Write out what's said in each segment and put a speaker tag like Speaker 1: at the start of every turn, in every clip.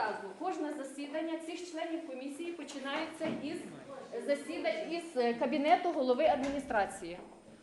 Speaker 1: щоразу кожне засідання цих членів комісії починається із кабінету голови адміністрації.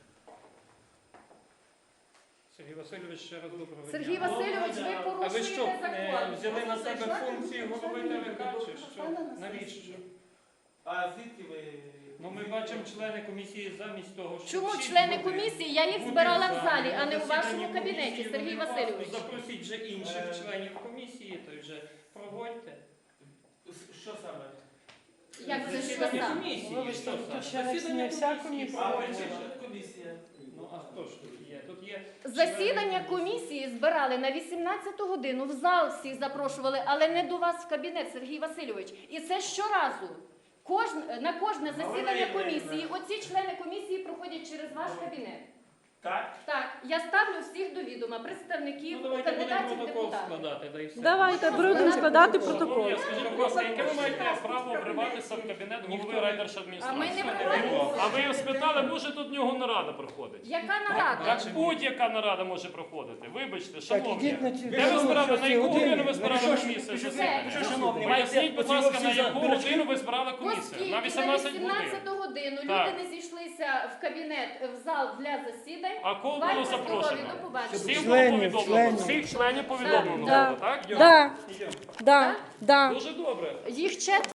Speaker 2: Сергій Васильович, ще раз доброго дня.
Speaker 1: Сергій Васильович, ви
Speaker 2: А ви
Speaker 1: порушуєте
Speaker 2: що,
Speaker 1: закон.
Speaker 2: взяли на себе функції голови ТВК, чи що? Навіщо?
Speaker 3: А звідки ви?
Speaker 2: Ну, ми бачимо члени комісії замість того, щоб
Speaker 1: Чому
Speaker 2: всі
Speaker 1: члени
Speaker 2: бути-
Speaker 1: комісії? Я їх
Speaker 2: бути
Speaker 1: збирала в
Speaker 2: за
Speaker 1: залі, а не у
Speaker 2: засіданні
Speaker 1: вашому кабінеті,
Speaker 2: комісії.
Speaker 1: Сергій
Speaker 2: Вони
Speaker 1: Васильович.
Speaker 2: Запросіть вже інших членів комісії, то вже проводьте.
Speaker 3: Що саме?
Speaker 1: Як це що
Speaker 2: Засідання
Speaker 1: саме?
Speaker 2: комісії,
Speaker 4: Вибачте,
Speaker 2: що
Speaker 4: тут
Speaker 2: саме?
Speaker 4: ще не
Speaker 2: Засідання
Speaker 4: вся
Speaker 2: комісії
Speaker 4: комісія.
Speaker 3: А
Speaker 2: проводьте.
Speaker 3: при комісія?
Speaker 2: Ну, а хто ж тут є? Тут є
Speaker 1: Засідання
Speaker 2: члени
Speaker 1: комісії збирали на 18 годину, в зал всіх запрошували, але не до вас в кабінет, Сергій Васильович. І це щоразу. На кожне засідання комісії, оці члени комісії проходять через ваш кабінет.
Speaker 3: Так?
Speaker 1: Так, я ставлю всіх до відома, представників,
Speaker 2: Ну, давайте будемо
Speaker 1: кандидатів в
Speaker 2: протокол
Speaker 1: депутати.
Speaker 2: складати, да і все.
Speaker 4: Давайте, будемо складати протокол.
Speaker 5: Скажіть, будь ласка, яке ви маєте право вриватися в кабінет голови
Speaker 1: А ми не
Speaker 5: райдержадміністрації?
Speaker 1: проводимо.
Speaker 5: А ви його спитали, може тут в нього нарада проходить?
Speaker 1: Яка нарада?
Speaker 5: Як будь-яка нарада може проходити. Вибачте, шановні.
Speaker 4: ідіть на ці-
Speaker 5: Де ви збирали, на яку годину ви збирали комісію
Speaker 1: Все.
Speaker 5: засідання? Поясніть, будь ласка, на яку годину ви збирали комісію?
Speaker 1: Оскільки
Speaker 5: На
Speaker 1: на
Speaker 5: 18 годин.
Speaker 1: 18 годину
Speaker 5: Так.
Speaker 1: люди не зійшлися в кабінет, в зал для засідань,
Speaker 5: А кого
Speaker 1: бувайте
Speaker 5: було
Speaker 1: здорові,
Speaker 5: запрошено?
Speaker 1: до побачення.
Speaker 5: Всіх було
Speaker 4: Членів,
Speaker 5: повідомлено?
Speaker 4: членів.
Speaker 5: Всіх членів повідомлено
Speaker 4: Да.
Speaker 5: було, так?
Speaker 4: Да, да, да.
Speaker 5: Дуже добре.
Speaker 1: Їх четверо.